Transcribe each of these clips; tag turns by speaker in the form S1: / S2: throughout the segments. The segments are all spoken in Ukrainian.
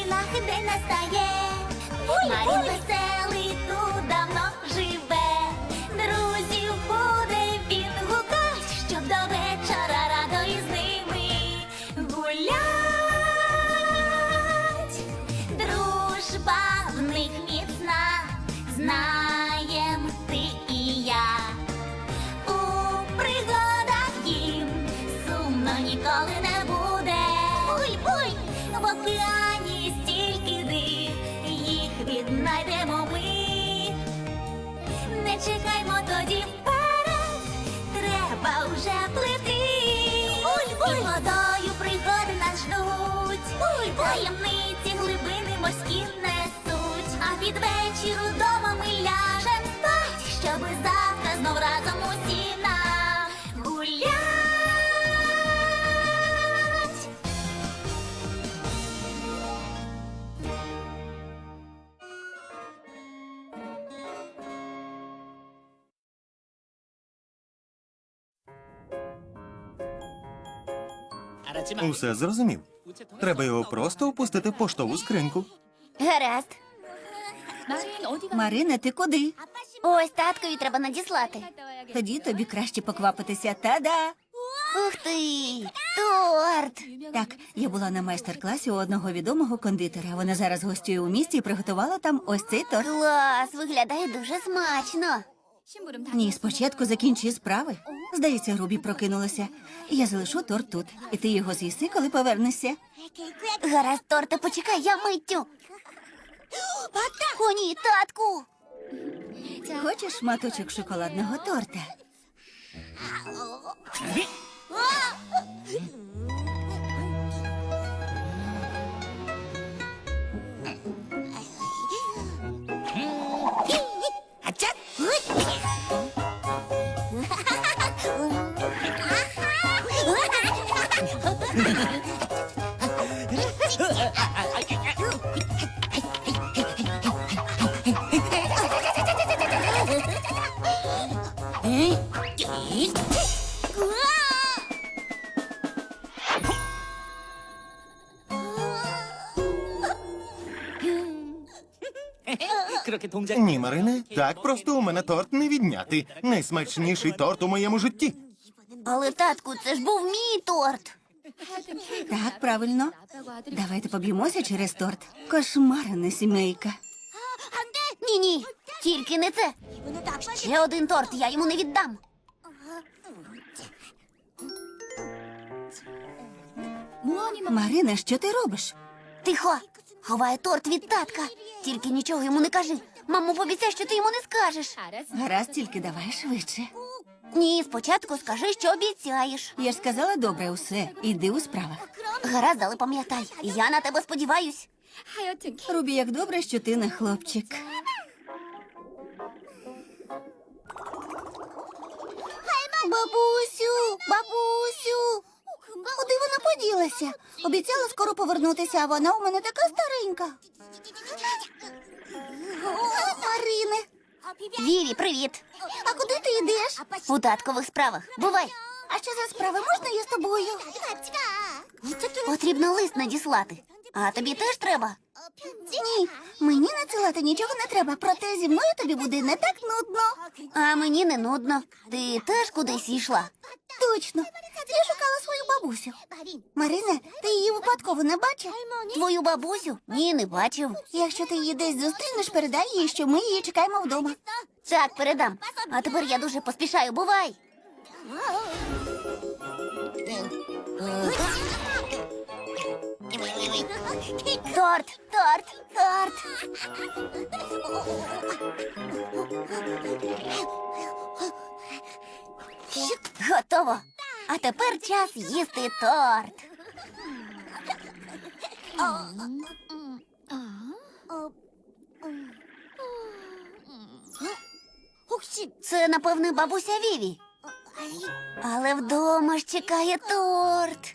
S1: новинах день настає. Марін веселий тут давно живе. Друзів буде він гукать, щоб до вечора радо із ними гулять. Дружба в них міцна, знаєм ти і я. У пригадах їм сумно ніколи не буде. Буй-буй! В океані стільки див, їх віднайдемо ми. Не чекаймо тоді вперед, треба вже плити. Буль-буль! І водою пригоди нас ждуть. Буль-буль! Таємниці глибини морські несуть. А під вечір удома ми ляжем спать, щоби завтра знов разом усі нагулять.
S2: Усе зрозумів. Треба його просто опустити в поштову скриньку.
S1: Гаразд.
S3: Марина, ти куди?
S1: Ось таткові треба надіслати.
S3: Тоді тобі краще поквапитися. Та-да!
S1: Ух ти! Торт!
S3: Так, я була на майстер-класі у одного відомого кондитера. Вона зараз гостює у місті і приготувала там ось цей торт.
S1: Клас! Виглядає дуже смачно.
S3: Ні, спочатку закінчи справи. Здається, Рубі прокинулася. Я залишу торт тут, і ти його з'їси, коли повернешся.
S1: Гаразд, торте, почекай, я миттю. О, ні, татку!
S3: Хочеш шматочок шоколадного торта?
S2: Ні, Марине, так просто у мене торт не відняти. Найсмачніший торт у моєму житті.
S1: Але, татку, це ж був мій торт.
S3: Так, правильно. Давайте поб'ємося через торт. Кошмарна сімейка.
S1: Ні-ні, тільки не це. Ще один торт, я йому не віддам.
S3: Марина, що ти робиш?
S1: Тихо, ховай торт від татка. Тільки нічого йому не кажи. Мамо, пообіцяй, що ти йому не скажеш.
S3: Гаразд, тільки давай швидше.
S1: Ні, спочатку скажи, що обіцяєш.
S3: Я ж сказала, добре, усе. Іди у справах.
S1: Гаразд, але пам'ятай, я на тебе сподіваюсь.
S3: Рубі, як добре, що ти не хлопчик.
S1: Бабусю, бабусю. Куди вона поділася? Обіцяла скоро повернутися, а вона у мене така старенька. Марине. Віві, привіт. А куди ти йдеш? У таткових справах. Бувай. А що за справи? Можна я з тобою? Потрібно лист надіслати. А тобі теж треба? Ні, мені надсилати нічого не треба, проте зі мною тобі буде не так нудно. А мені не нудно. Ти теж кудись йшла? Точно. Я шукала свою бабусю. Марине, ти її випадково не бачив? Твою бабусю? Ні, не бачив. Якщо ти її десь зустрінеш, передай їй, що ми її чекаємо вдома. Так, передам. А тепер я дуже поспішаю. Бувай. Торт, торт, торт. Готово. А тепер час їсти торт. Це, напевне, бабуся Віві. Але вдома ж чекає торт.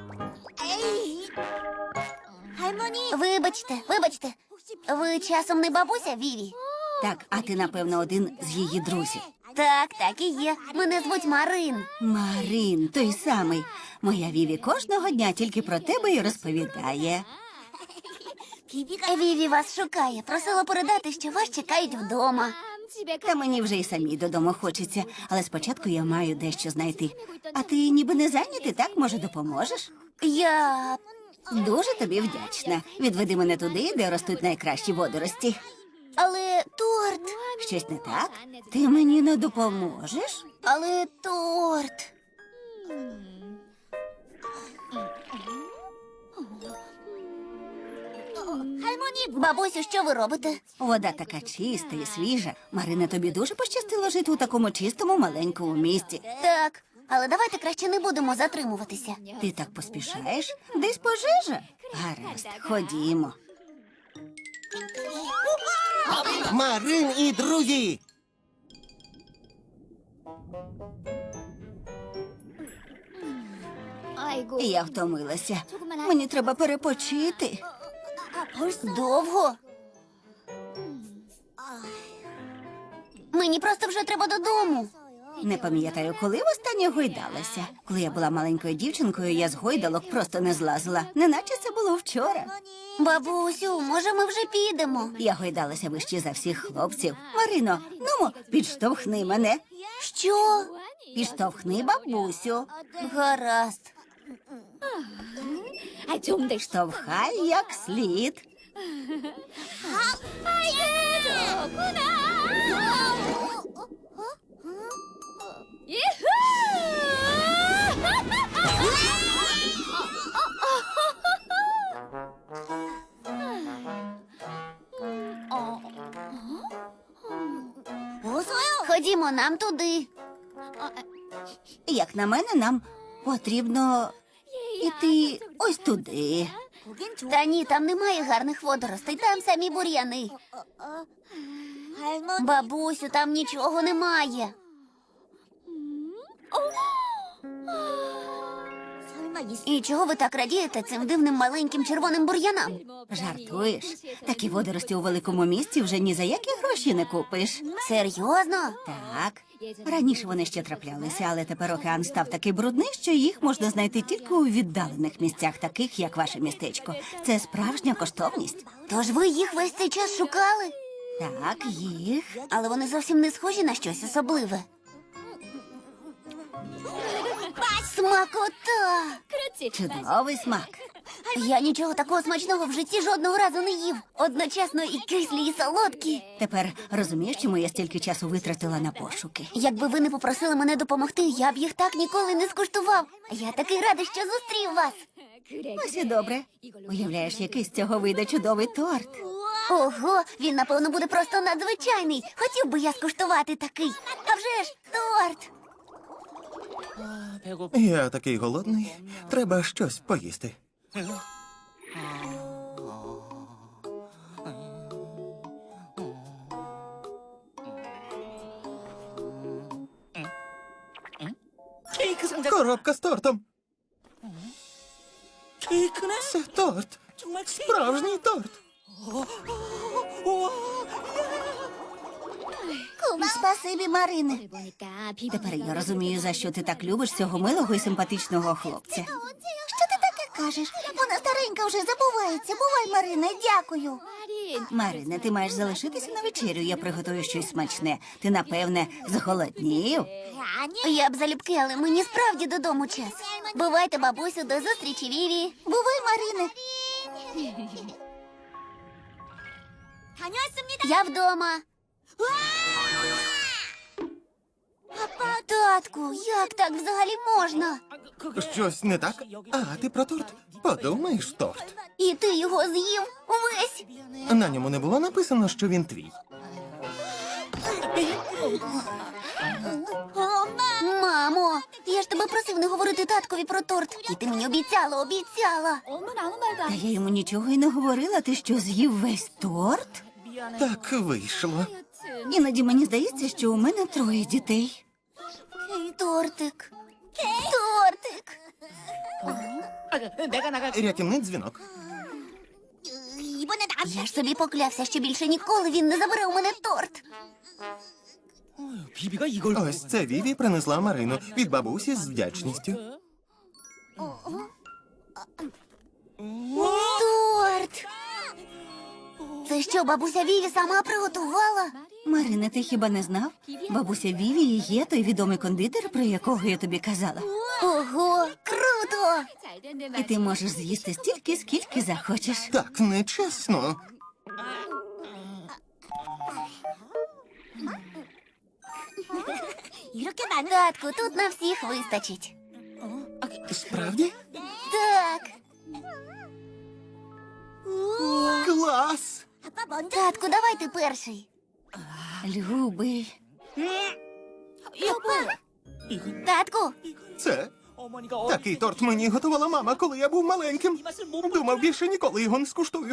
S1: Вибачте, вибачте. Ви часом не бабуся Віві?
S3: Так, а ти, напевно, один з її друзів.
S1: Так, так і є. Мене звуть Марин.
S3: Марин, той самий. Моя Віві кожного дня тільки про тебе й розповідає.
S1: Віві вас шукає. Просила передати, що вас чекають вдома.
S3: Та мені вже й самій додому хочеться, але спочатку я маю дещо знайти. А ти ніби не зайнятий, так? Може, допоможеш?
S1: Я...
S3: Дуже тобі вдячна. Відведи мене туди, де ростуть найкращі водорості.
S1: Але торт...
S3: Щось не так? Ти мені не допоможеш?
S1: Але торт... Бабусю, що ви робите?
S3: Вода така чиста і свіжа. Марина, тобі дуже пощастило жити у такому чистому маленькому місті.
S1: Так, але давайте краще не будемо затримуватися.
S3: Ти так поспішаєш? Десь пожежа? Гаразд, ходімо.
S2: Марин і друзі!
S3: Я втомилася. Мені треба перепочити.
S1: Довго? Мені просто вже треба додому.
S3: Не пам'ятаю, коли востаннє гойдалася. Коли я була маленькою дівчинкою, я з гойдалок просто не злазила. Неначе це було вчора.
S1: Бабусю, може ми вже підемо?
S3: Я гойдалася вище за всіх хлопців. Марино, нумо, підштовхни мене.
S1: Що?
S3: Підштовхни бабусю.
S1: Гаразд.
S3: Штовхай як слід.
S1: Ходімо нам туди.
S3: Як на мене, нам потрібно іти ось туди.
S1: Та ні, там немає гарних водоростей, там самі бур'яни. Бабусю, там нічого немає. І чого ви так радієте цим дивним маленьким червоним бур'янам?
S3: Жартуєш? Такі водорості у великому місті вже ні за які гроші не купиш.
S1: Серйозно?
S3: Так. Раніше вони ще траплялися, але тепер океан став такий брудний, що їх можна знайти тільки у віддалених місцях, таких як ваше містечко. Це справжня коштовність.
S1: Тож ви їх весь цей час шукали?
S3: Так, їх.
S1: Але вони зовсім не схожі на щось особливе. Смакота!
S3: Чудовий смак.
S1: Я нічого такого смачного в житті жодного разу не їв. Одночасно і кислі, і солодкі.
S3: Тепер розумієш, чому я стільки часу витратила на пошуки?
S1: Якби ви не попросили мене допомогти, я б їх так ніколи не скуштував. Я такий радий, що зустрів вас.
S3: Ось і добре. Уявляєш, який з цього вийде чудовий торт.
S1: Ого, він, напевно, буде просто надзвичайний. Хотів би я скуштувати такий. А вже ж, торт!
S2: Я такий голодний. Треба щось поїсти. Коробка з тортом. Це торт. Справжній торт.
S1: Спасибі, Марине.
S3: Тепер я розумію, за що ти так любиш цього милого і симпатичного хлопця.
S1: Що ти таке кажеш? Вона старенька вже забувається. Бувай, Марине, дякую.
S3: Марине, ти маєш залишитися на вечерю, я приготую щось смачне. Ти, напевне, зголоднів?
S1: Я б залюбки, але мені справді додому час. Бувайте, бабусю, до зустрічі, Віві. Бувай, Марине. Я вдома. Татку, як так взагалі можна?
S2: Щось не так? А, ти про торт? Подумаєш, торт.
S1: І ти його з'їв увесь.
S2: На ньому не було написано, що він твій.
S1: Мамо, я ж тебе просив не говорити таткові про торт. І ти мені обіцяла.
S3: Та я йому нічого й не говорила. Ти що, з'їв весь торт?
S2: Так вийшло.
S3: Іноді мені здається, що у мене 3 дітей.
S1: Тортик. Тортик.
S2: Рятівний дзвінок.
S1: Я ж собі поклявся, що більше ніколи він не забере у мене торт.
S2: Ось це Віві принесла Марину від бабусі з вдячністю.
S1: Торт. Це що, бабуся Віві сама приготувала?
S3: Марина, ти хіба не знав? Бабуся Вівії є той відомий кондитер, про якого я тобі казала.
S1: Ого, круто!
S3: І ти можеш з'їсти стільки, скільки захочеш.
S2: Так нечесно.
S1: Татку, тут на всіх вистачить.
S2: Справді?
S1: Так.
S2: Клас!
S1: Татку, давай ти перший.
S3: Любий.
S1: Татку,
S2: Це такий торт мені готувала мама, коли я був маленьким. Думав, більше ніколи його не скуштую.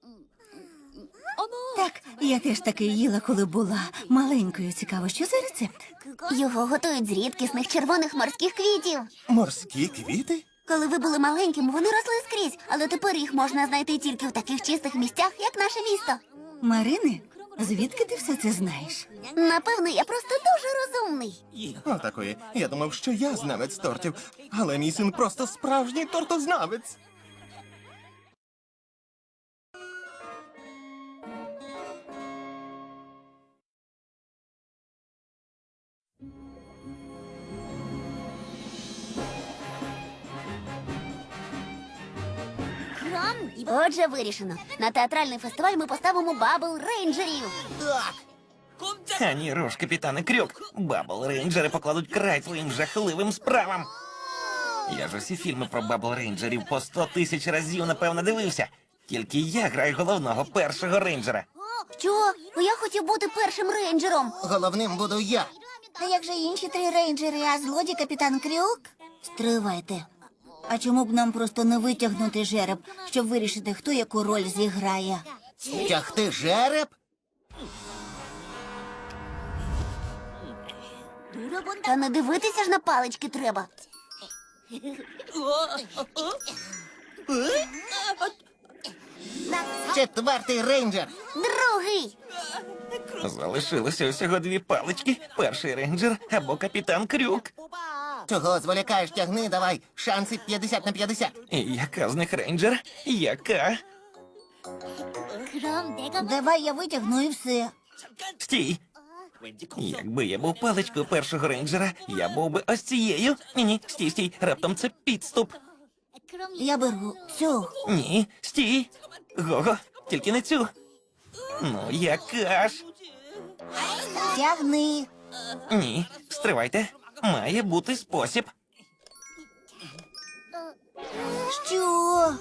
S3: Так, я теж таки їла, коли була маленькою. Цікаво, що за рецепт?
S1: його готують з рідкісних червоних морських квітів.
S2: Морські квіти?
S1: Коли ви були маленьким, вони росли скрізь, але тепер їх можна знайти тільки в таких чистих місцях, як наше місто.
S3: Марине, звідки ти все це знаєш?
S1: Напевно, я просто дуже розумний.
S2: Отакої. Я думав, що я знавець тортів, але мій син просто справжній тортознавець.
S1: Отже, вирішено. На театральний фестиваль ми поставимо бабл рейнджерів.
S2: Так.
S4: Ані руш, капітане Крюк. Бабл рейнджери покладуть край своїм жахливим справам. Я ж усі фільми про бабл рейнджерів по 100 тисяч разів, напевно, дивився. Тільки я граю головного першого рейнджера.
S1: Що? Я хотів бути першим рейнджером.
S2: Головним буду я.
S1: А як же інші 3 рейнджери, а злодій капітан Крюк? Стривайте.
S3: А чому б нам просто не витягнути жереб, щоб вирішити, хто яку роль зіграє?
S2: Тягти жереб?
S1: Та не дивитися ж на палички треба.
S2: Четвертий рейнджер.
S1: Другий.
S4: Залишилося усього 2 палички. Перший рейнджер або капітан Крюк.
S2: Чого зволікаєш, тягни, давай. Шанси 50 на 50.
S4: І яка з них рейнджер? Яка?
S3: Давай я витягну і все.
S4: Стій! Якби я був паличкою першого рейнджера, я був би ось цією. Ні, стій, стій, раптом це підступ.
S3: Я беру цю.
S4: Ні, стій. Гого, тільки не цю. Ну, яка ж?
S3: Тягни.
S4: Ні, стривайте. Має бути спосіб.
S3: Що?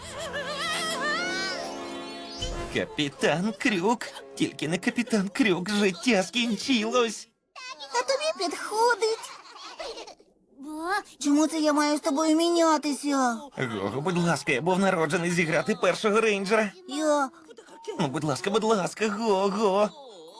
S4: Капітан Крюк. Тільки не капітан Крюк, життя скінчилось.
S3: А тобі підходить. Чому це я маю з тобою мінятися?
S4: Гого, будь ласка, я був народжений зіграти першого рейнджера.
S3: Я...
S4: Ну, будь ласка, Гого.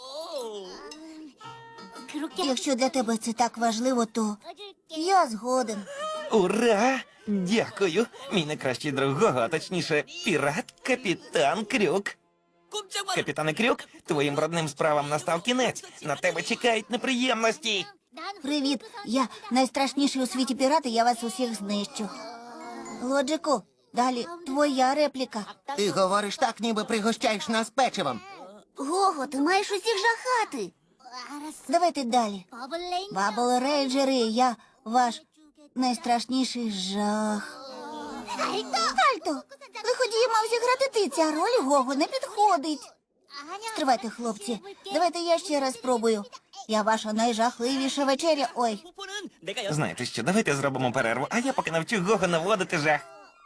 S3: Якщо для тебе це так важливо, то я згоден.
S4: Ура! Дякую. Мій найкращий друг Гого, а точніше, пірат капітан Крюк. Капітане Крюк, твоїм брудним справам настав кінець. На тебе чекають неприємності.
S3: Привіт, я найстрашніший у світі пірат, і я вас усіх знищу. Лоджику, далі твоя репліка.
S2: Ти говориш так, ніби пригощаєш нас печивом.
S1: Гого, ти маєш усіх жахати.
S3: Давайте далі. Бабл рейнджери, я ваш найстрашніший жах. Альто, лиходій мав зіграти ти, ця роль Гого не підходить. Стривайте, хлопці, давайте я ще раз спробую. Я ваша найжахливіша вечеря. Ой,
S4: Знаєте що, давайте зробимо перерву, а я поки навчу Гого наводити жах.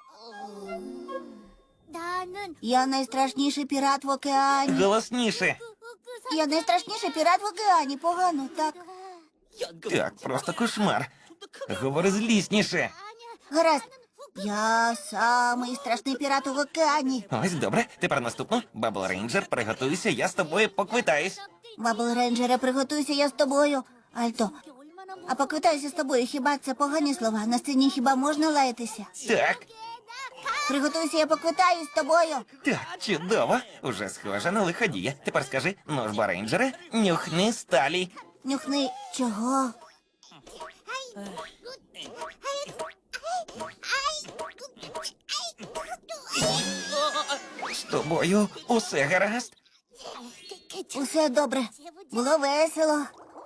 S3: я найстрашніший пірат в океані.
S4: Голосніше.
S3: Я найстрашніший пірат в океані. Погано, так?
S4: Так, просто кошмар. Говори злісніше.
S3: Гаразд. Я самий страшний пірат в океані.
S4: Ось добре. Тепер наступно. Бабл Рейнджер, приготуйся, я з тобою поквитаюсь.
S3: Бабл рейнджере, приготуйся я з тобою. Альто, а поквитаюся з тобою, хіба це погані слова? На сцені хіба можна лаятися?
S4: Так,
S3: Приготуйся, я поквитаюсь з тобою.
S4: так, чудово. Уже схоже на лиходія. Тепер скажи, ну ж, бо рейнджере, нюхни сталі.
S3: Нюхни чого?
S4: З тобою усе гаразд?
S3: Усе добре. Було весело.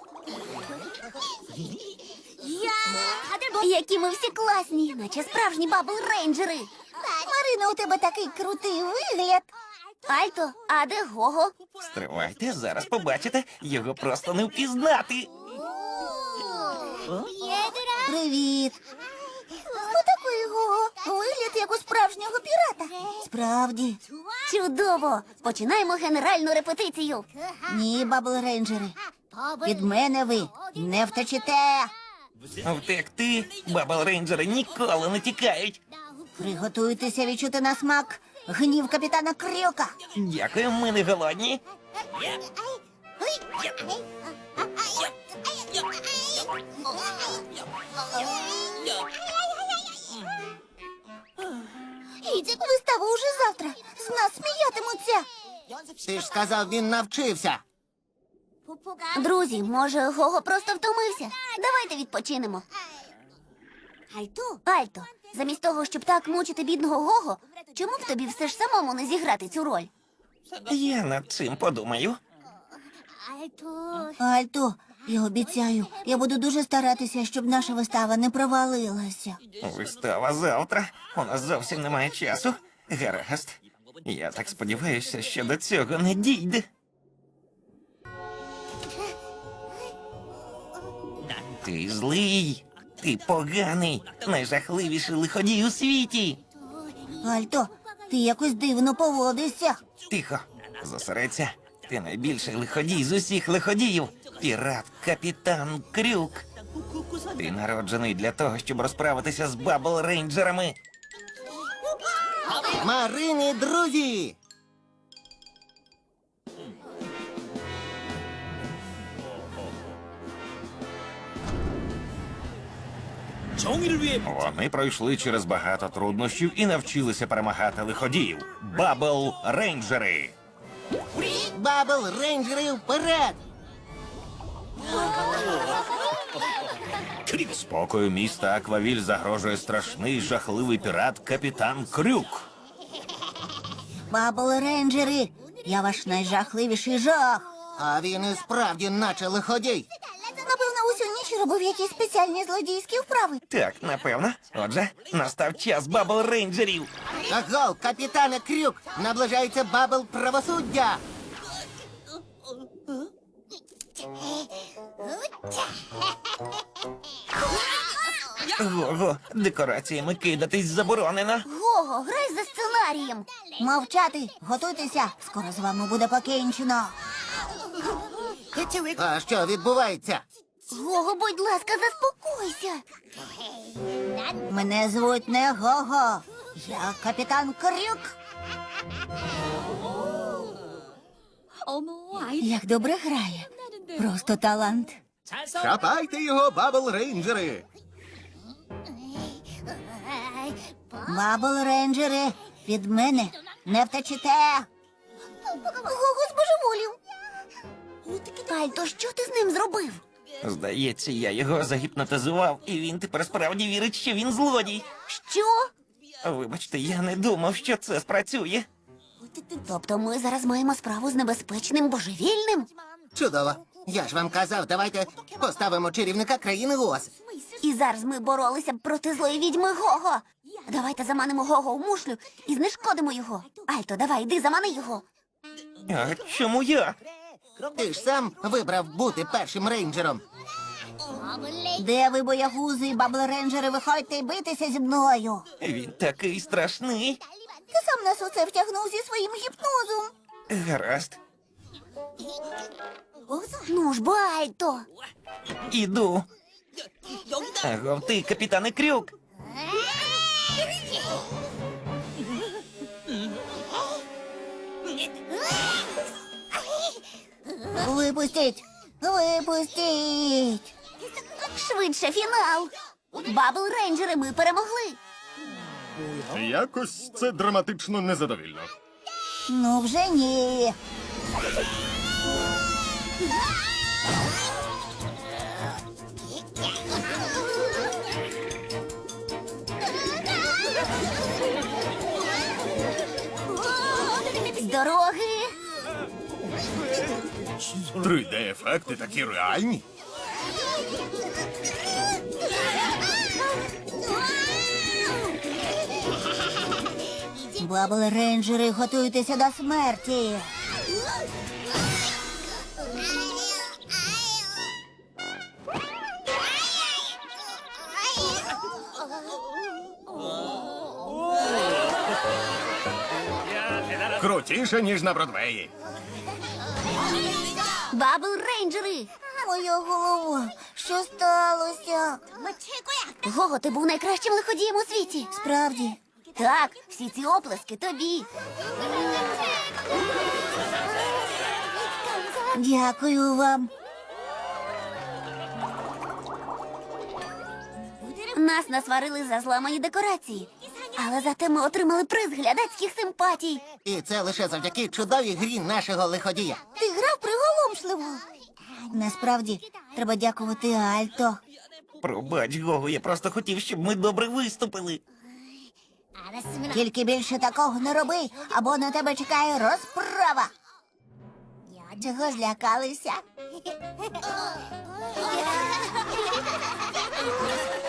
S1: Які ми всі класні, наче справжні бабл-рейнджери.
S3: Марина, у тебе такий крутий вигляд.
S1: Альто, а де Гого?
S4: Стривайте, зараз побачите, його просто не впізнати.
S3: Привіт. Хто такий Гого? Вигляд як у справжнього пірата. Справді.
S1: Чудово! Починаємо генеральну репетицію.
S3: Ні, бабл-рейнджери. Від мене ви не втечете.
S4: Втекти бабл-рейнджери ніколи не тікають.
S3: Приготуйтеся відчути на смак гнів капітана Крюка.
S4: Дякую, ми не голодні.
S3: Вистава уже завтра. З нас сміятимуться.
S2: Ти ж сказав, він навчився.
S1: Друзі, може, Гого просто втомився? Давайте відпочинемо. Альто, замість того, щоб так мучити бідного Гого, чому б тобі все ж самому не зіграти цю роль?
S4: Я над цим подумаю.
S3: Альто, я обіцяю, я буду дуже старатися, щоб наша вистава не провалилася.
S4: Вистава завтра. У нас зовсім немає часу. Гаразд. Я так сподіваюся, що до цього не дійде. Ти злий, ти поганий, найжахливіший лиходій у світі.
S3: Альто, ти якось дивно поводишся.
S4: Тихо, зосередься. Ти найбільший лиходій з усіх лиходіїв. Пірат, капітан Крюк. Ти народжений для того, щоб розправитися з бабл-рейнджерами.
S2: Марини, друзі!
S4: Вони пройшли через багато труднощів і навчилися перемагати лиходіїв. Бабл-рейнджери.
S2: Бабл рейнджери вперед!
S4: Спокою міста Аквавіль загрожує страшний жахливий пірат капітан Крюк.
S3: Бабл-рейнджери, я ваш найжахливіший жах.
S2: А він і справді наче лиходій.
S3: Напевно, усю ніч робив якісь спеціальні злодійські вправи.
S4: Так, напевно. Отже, настав час бабл-рейнджерів.
S2: Агов, капітане Крюк! Наближається бабл правосуддя!
S4: Го-го, декораціями кидатись заборонено.
S1: Гого, грай за сценарієм.
S3: Мовчати, готуйтеся, скоро з вами буде покінчено.
S2: А що відбувається?
S1: Гого, будь ласка, заспокойся.
S3: Мене звуть не Гого, я капітан Крюк. Як добре грає, просто талант.
S2: Хапайте його, бабл рейнджери!
S3: Бабл-рейнджери, від мене не втечете. Гого збожеволів.
S1: Альто, що ти з ним зробив?
S4: Здається, я його загіпнотизував, і він тепер справді вірить, що він злодій.
S1: Що?
S4: Вибачте, я не думав, що це спрацює.
S1: Тобто ми зараз маємо справу з небезпечним божевільним?
S2: Чудово. Я ж вам казав, давайте поставимо чарівника країни Оз.
S1: І зараз ми боролися б проти злої відьми Гого. Давайте заманимо Гого у мушлю і знешкодимо його. Альто, давай, йди, замани його.
S4: А чому я?
S2: Ти ж сам вибрав бути першим рейнджером.
S3: Де ви, боягузи, бабл-рейнджери, виходьте і битися зі мною.
S4: Він такий страшний.
S3: Ти сам нас у це втягнув зі своїм гіпнозом.
S4: Гаразд,
S1: Ну ж, бо, Альто.
S4: іду. Агов ти, капітане Крюк.
S3: Випустіть! Випустіть!
S1: Швидше фінал. Бабл-рейнджери, ми перемогли.
S2: Якось це драматично незадовільно.
S3: Ну вже ні.
S2: 3D-ефекти такі реальні.
S3: Бабл рейнджери, готуйтеся до смерті.
S2: Крутіше, ніж на Бродвеї.
S1: Бабл рейнджери!
S3: Моя голова, що сталося?
S1: Гого, ти був найкращим лиходієм у світі.
S3: Справді,
S1: Так, всі ці оплески тобі.
S3: дякую вам.
S1: Нас насварили за зламані декорації. Але зате ми отримали приз глядацьких симпатій.
S2: І це лише завдяки чудовій грі нашого лиходія.
S3: Ти грав приголомшливо. Насправді, треба дякувати Альто.
S4: Пробач, Гого, я просто хотів, щоб ми добре виступили.
S3: Тільки більше такого не роби, або на тебе чекає розправа. Чого злякалися?